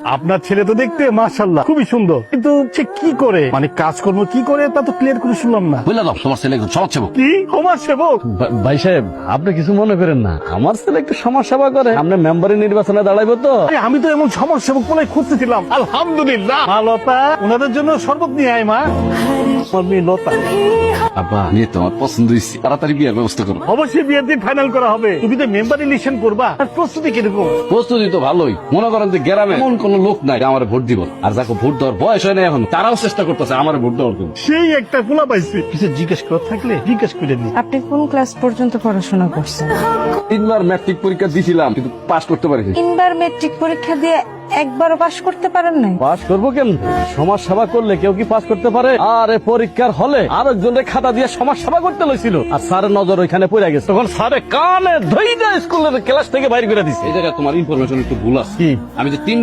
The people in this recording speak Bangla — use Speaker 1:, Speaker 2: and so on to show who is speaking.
Speaker 1: আপনার ছেলে তো দেখতে মাশাআল্লাহ খুবই সুন্দর, কিন্তু সে কি করে, মানে কাজকর্ম কি করে তা তো ক্লিয়ার করে শুনলাম না।
Speaker 2: বুঝলা দাও, তোমার ছেলে একজন সমাজসেবক।
Speaker 1: কি সমাজ সেবক?
Speaker 3: ভাই সাহেব, আপনি কিছু মনে করেন না, আমার ছেলে একটু সমাজ সেবা করে, আপনি মেম্বারের নির্বাচনে দাঁড়াইবো তো।
Speaker 1: আরে আমি তো এমন সমাজ সেবক বলে খুঁজতেছিলাম। আলহামদুলিল্লাহ। মা লতা, ওনাদের জন্য শরবত নিয়ে আয় মা। আমার মেয়ে লতা।
Speaker 2: আব্বা, মেয়ে তোমার পছন্দ হয়েছে, তাড়াতাড়ি বিয়ের ব্যবস্থা করো।
Speaker 1: অবশ্যই বিয়ের দিন ফাইনাল করা হবে। তুমি তো মেম্বার ইলেকশন করবা, আর প্রস্তুতি কিরকম?
Speaker 2: প্রস্তুতি তো ভালোই। মনে করেন যে গ্রামে এমন কোন লোক নাই আমার ভোট দিব, আর যাকে ভোট দেওয়ার বয়স হয় না এখন, তারাও চেষ্টা করতেছে আমার ভোট দেওয়ার জন্য।
Speaker 1: সেই একটা পোলা পাইছি। কিছু জিজ্ঞেস করার থাকলে জিজ্ঞেস করে নি।
Speaker 4: আপনি কোন ক্লাস পর্যন্ত পড়াশোনা করছেন?
Speaker 2: 3 বার ম্যাট্রিক পরীক্ষা দিছিলাম, কিন্তু পাস করতে পারিনি।
Speaker 4: 3 বার মেট্রিক পরীক্ষা দিয়ে একবারও পাশ করতে পারেন নাই?
Speaker 3: পাস করবো কেন? সমাজ সেবা করলে কেউ কি পাস করতে পারে? আর এ পরীক্ষার হলে আরেকজনের খাতা দিয়ে সমাজ সেবা করতে লইছিল, আর স্যারের নজর ওইখানে পড়ে গেছে, তখন স্যারে কানে ধইরা স্কুলের ক্লাস থেকে বাইরে করে দিছে।
Speaker 2: এই জায়গায় তোমার ইনফরমেশন একটু ভুল আছে।
Speaker 1: কি?
Speaker 2: আমি যে 3